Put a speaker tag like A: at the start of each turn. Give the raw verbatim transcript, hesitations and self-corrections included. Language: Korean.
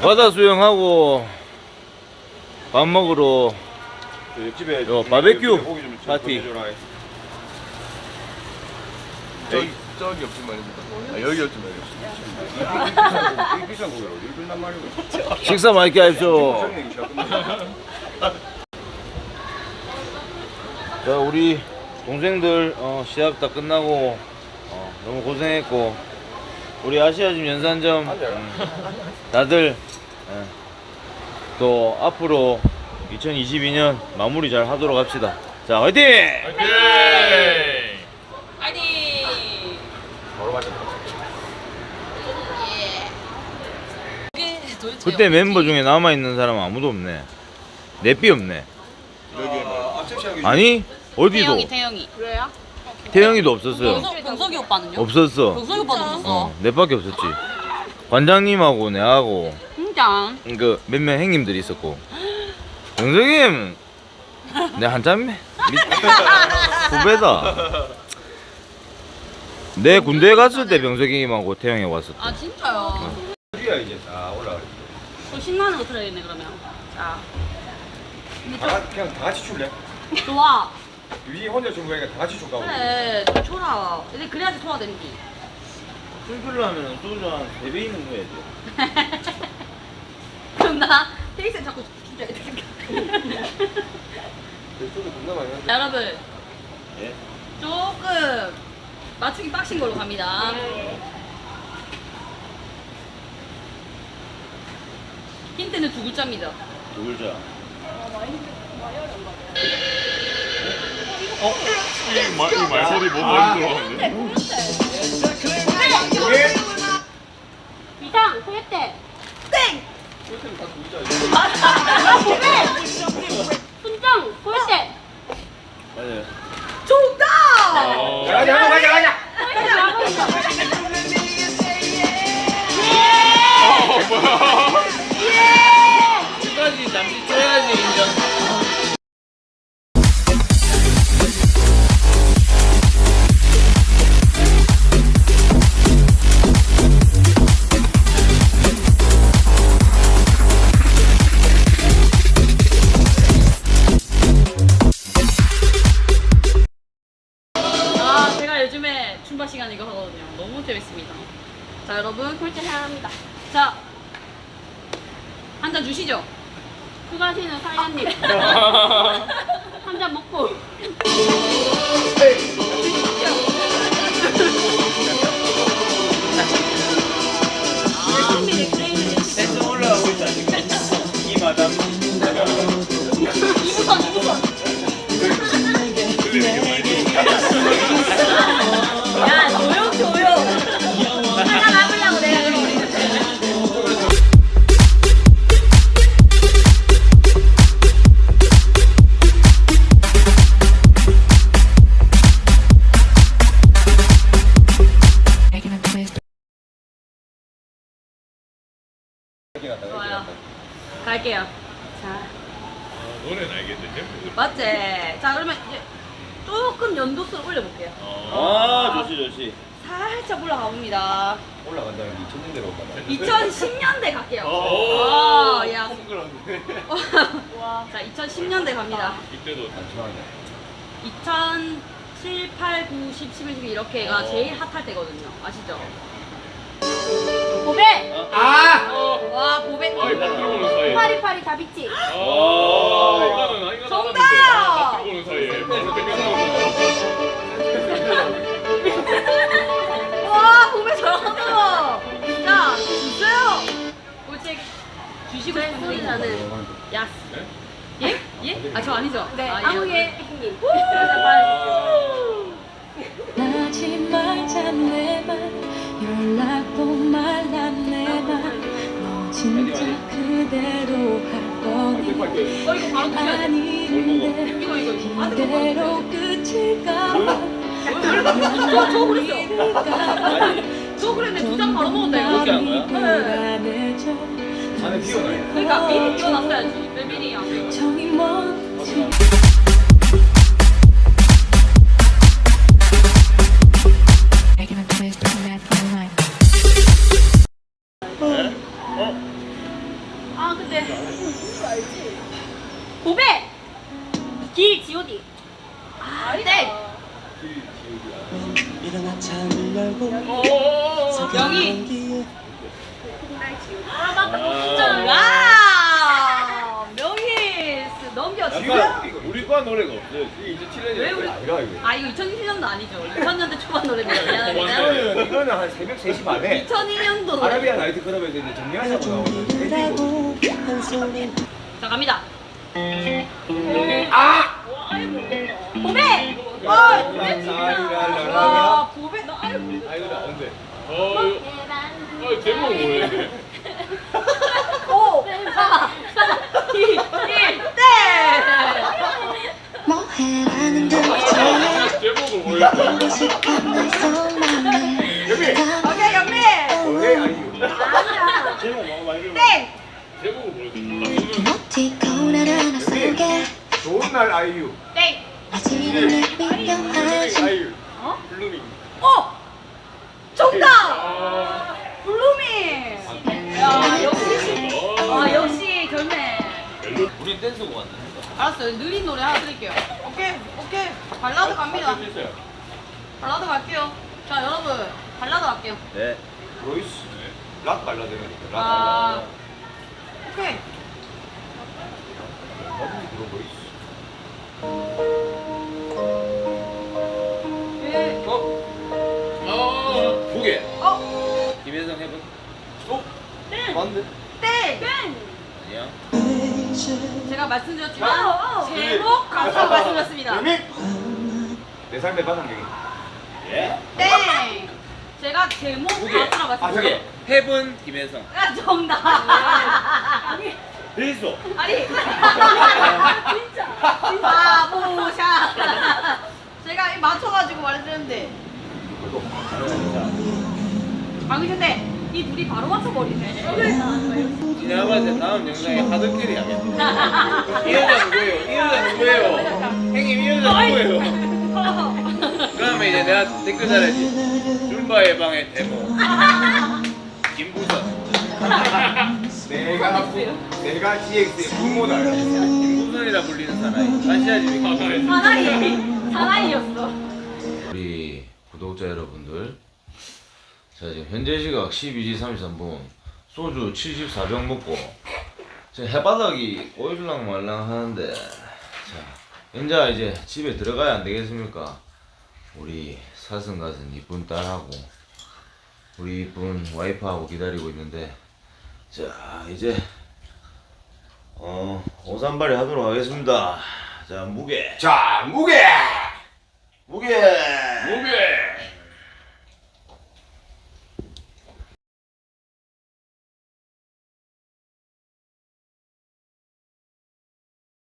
A: 바다 수영하고 밥 먹으러
B: 그 옆집에
A: 요 바베큐
B: 고기 좀
A: 파티.
B: 보내줘라.
C: 저기 저기 없지 말입니다. 아, 여기 없지 말입니다.
B: 이 비싼 고기로 어디 끝난 말이고.
A: 식사 맛있게 하십시오.
B: 정리 시작 끝났다.
A: 자, 우리 동생들 어, 시합 다 끝나고 어, 너무 고생했고 우리 아시아짐 연산점 음, 다들 예, 또 앞으로 이천이십이 년 마무리 잘 하도록 합시다. 자, 화이팅!
D: 화이팅!
B: 바로 마신다.
D: 이게 도대체
A: 그때
D: 어디지?
A: 멤버 중에 남아있는 사람은 아무도 없네. 내삐 없네.
B: 여기에 뭐 앞섹시하게
A: 아니 어디도
D: 태영이 태영이 그래요?
A: 태영이도 없었어요.
D: 병석, 병석이 오빠는요?
A: 없었어.
D: 병석이 오빠도 없었어
A: 어, 내밖에 없었지. 관장님하고 내하고
D: 진짜
A: 그 몇 명 형님들이 있었고 영석님 내 한참 밑 후배다. 내 군대 갔을 때 병석님하고 태영이 왔었다.
D: 아 진짜요?
B: 어디야 이제 다 올라가.
D: 또 신나는 거 틀어야겠네 그러면 자
B: 다 같이- 그냥 다 같이 출래?
D: 좋아
B: 위 혼자 준 거니까 다 같이 출까?
D: 그래 좀 쳐라 근데 그래야지 소화 되는지
A: 술줄로 하면 소주 한 세 배 있는 거 해야지.
D: 그럼 나 테이스 자꾸 주자
B: 소주 겁나 많이 하는데.
D: 자 여러분
A: 예?
D: 조금 맞추기 빡신 걸로 갑니다 힌트는 두 글자입니다
A: 두 글자.
C: 이 말, 이 말소리 뭐 많이 들어가는데?
D: 이상 소개때 땡! 순정 소개때
A: 맞아요.
D: 정답!
B: 가자 가자 가자 가자.
A: 끝까지 잠시 쳐야지 인정.
D: 아 제가 요즘에 춤바 시간 이거 하거든요 너무 재밌습니다 자 여러분 콜제 사랑합니다 자 한 잔 주시죠 수고하시는 사장님 한 잔 먹고
A: 텐션 올라가고 있다 지금. 이 마담.
D: 이부선 이부선 야 조용 조용 하나 남으려고 내가 그러고 좋아요 갈게요 자
C: 노래는 알겠는데?
D: 맞지? 자 그러면 이제 조금 연도수를 올려볼게요
A: 아 좋지 좋지.
D: 살짝 올라가 봅니다
B: 올라간다면 이천 년대로 올라가.
D: 이천십 년대 갈게요
C: 오.
D: 와, 야.
C: 동그란데.
D: 자 이천십 년대 갑니다
C: 이때도
B: 잠시만요.
D: 이천칠, 팔, 구, 십, 십일, 십이 이렇게가
C: 어.
D: 제일 핫할 때거든요 아시죠? 보배!
B: 아!
D: 와 보배
C: 아이 밥 들어보는 사이에.
D: 파리파리 다비치
C: 아, 이거는 이거
D: 정답!
C: 밥 들어보는 사이에 바로 땡겨서.
D: 와 보배 잘한다 자 주세요 꼴찌 주시고 싶은 분이라는 야스 예? 예? 아 저 아니죠? 네 아, 한국의 형님
E: 하지마 자네만 연락도 말라 내만 너 진짜 그대로 할 거니
D: 어 이거 바로 드셔야 돼
E: 아닌데
D: 이거 이거 이거
E: 이대로 끝일까봐
D: 저, 저 그랬어 저 그랬네 두 잔 바로 먹었다 이거
A: 그렇게 한 거야?
E: 불안해져
B: 안에 비워놔요.
D: 그러니까 미리 끼워놨어야지 왜 미리야
E: 정이 뭔지
D: 고백! 기, 지오디. 아, 땡!
E: 일어나 창을 열고
D: 명희. 아, 맞다.
C: 아.
D: 와! 명희 넘겨.
A: 약간 우리 과 노래가 없어요.
C: 이게 이제 칠년이
D: 왜 우리-
B: 아니라 이거.
D: 아, 이거 이천일 년도 아니죠. 이천 년대 초반 노래입니다.
C: 어,
D: 미안합니다.
B: 이거는 이거는 한 새벽 세 시 반에
D: 이천이 년도 노래.
B: 아라비아 나이트 클럽에서 이제 정리하자고 나오는
E: 준비를
B: 밴드고.
E: 하고 한 손에
D: 자, 갑니다. 아! 고백! 와, 고백 진짜. 와, 고백. 나 아유.
B: 아 이거 나 언제?
C: 어, 이거- 아, 제목 뭐예요? 이게?
D: 오, 사, 이, 일, 땡!
E: 뭐해라는 듯이
C: 제목을 모르겠어.
E: 보고 싶은 내 속마음을
D: 오케이, 영미!
B: 오케이 아이유.
D: 아니야.
A: 제목 뭐 많이 들어.
D: 땡!
C: 제목을 모르겠어.
E: 이모티콘 하나 속에
B: 좋은 날 아이유.
D: 땡!
E: 아직은 내 필요하지
C: 아이유.
D: 어?
C: 블루밍.
D: 어! 정답!
C: 아,
D: 블루밍! 야, 역시. 아, 역시 결매.
A: 우리 댄스곡 왔네.
D: 알았어요. 느린 노래 하나 드릴게요. 오케이, 오케이. 발라드 갑니다.
C: 할수 있어요.
D: 발라드 갈게요. 자, 여러분. 발라드 갈게요.
A: 네.
B: 로이스. 락 발라드니까. 락
D: 아,
B: 발라드.
D: 오케이.
B: 어디 들어 로이스.
D: 예.
C: 어? 어,
A: 무게.
D: 어?
A: 김혜성 해본.
C: 어?
D: 땡!
C: 맞네.
D: 땡! 땡!
A: 아니야.
D: 제가 말씀드렸지만 제목 가수라고 말씀드렸습니다.
B: 내 삶의 바탕경이.
A: 예?
D: 땡! 제가 제목
A: 무게.
D: 가수라고
B: 아,
D: 말씀드렸어요.
A: 무게. 해본 김혜성.
D: 아, 정답!
A: 됐어.
D: 아니 진짜 진짜 바보샷. 제가 이 맞춰가지고 말해드렸는데 방금 전에 이 둘이 바로 맞춰버리네.
A: 내가 봤을 때 다음 영상에 하드캐리 하겠다. 이 여자 누구예요? 이 여자 누구예요? 형님 이 여자 누구예요? 그러면 이제 내가 댓글 달아야지. 줌바의 방의 데모. 김부선.
B: 내가 내가 지엑스의 부모다.
A: 김부선이라 불리는 사나이. 아시아지.
D: 사나이 사나이였어.
A: 우리 구독자 여러분들, 자 지금 현재 시각 십이 시 삼십삼 분, 소주 칠십사 병 먹고 지금 해바닥이 꼬일랑 말랑 하는데, 자 이제 이제 집에 들어가야 안 되겠습니까? 우리 사슴같은 이쁜 딸하고 우리 이쁜 와이프하고 기다리고 있는데, 자 이제 어 오산발이 하도록 하겠습니다. 자 무게
B: 자 무게.
A: 무게
C: 무게.